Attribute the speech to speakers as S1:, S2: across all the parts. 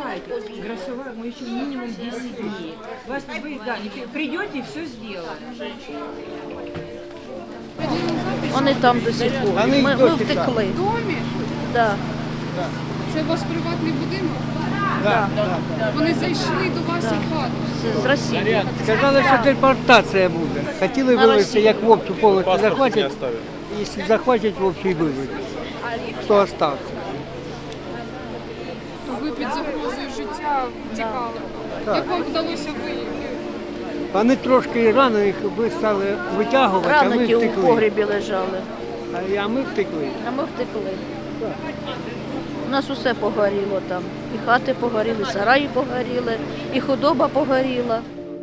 S1: понимаете, грошовая, мы еще минимум 10 дней. Вы, да, придете и все сделаем.
S2: Вони там до сих пор. Ми втекли.
S3: В домі?
S2: Да.
S3: Це ваш приватний будинок?
S2: Да.
S3: Вони зайшли до вас у хату?
S2: З Росії.
S4: Сказали, що депортація буде. Хотіли вивезти, як в общу повністю захватять. Якщо захватять, в общу і вивезуть. Хто остався.
S3: Ви під загрозою життя втікали. Як вам вдалося виїхати?
S4: Вони трошки рано їх стали витягувати, а ми
S2: Раники у
S4: втекли.
S2: погребі лежали,
S4: А ми втекли.
S2: а ми втекли. У нас усе погоріло там. І хати погоріли, і сараї погоріли, і худоба погоріла.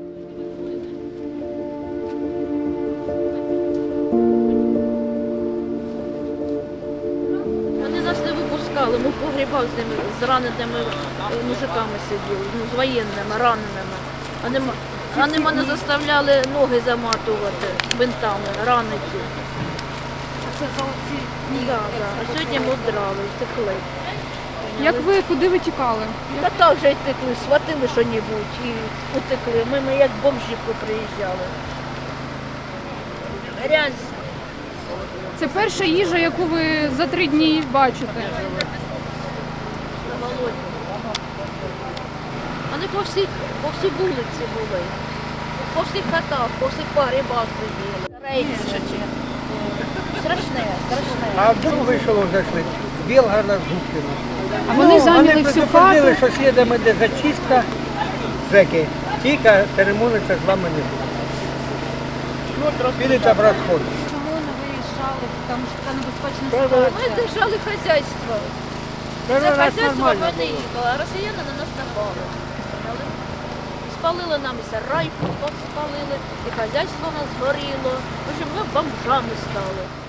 S2: Вони нас не випускали, ми в погрібах з ними, з раненими мужиками сиділи, з воєнними, раненими. Вони мене заставляли ноги заматувати бинтами, раники.
S3: Це за оці
S2: Да. А сьогодні ми вдрали, втекли.
S3: Куди ви тікали?
S2: Та так же й втекли, схватили що-небудь і утекли. Ми як бомжі приїжджали. Грязь.
S3: Це перша їжа, яку ви за 3 дні бачите.
S2: Голодні. Вони по всій вулиці були. По всіх хатах, по всіх погрібах сиділи. Рейси. Страшне.
S4: А вдруг вийшов зайшли з Білгорода, з Губкина.
S3: А вони зайняли всю
S4: предупредили,
S3: хату?
S4: що слідом іде зачистка, зеки. Тільки церемониться з вами не буде. Підете в розход.
S3: Чому не виїжджали? Тому що це небезпечна
S2: Ми держали хазяйство. Це
S4: Перший раз
S2: хазяйство
S4: нормально
S2: ми не
S4: було.
S2: їхали, а росіяни на нас напали. Спалили нам і сарай, спалили, і хазяйство у нас згоріло. В общем, ми бомжами стали.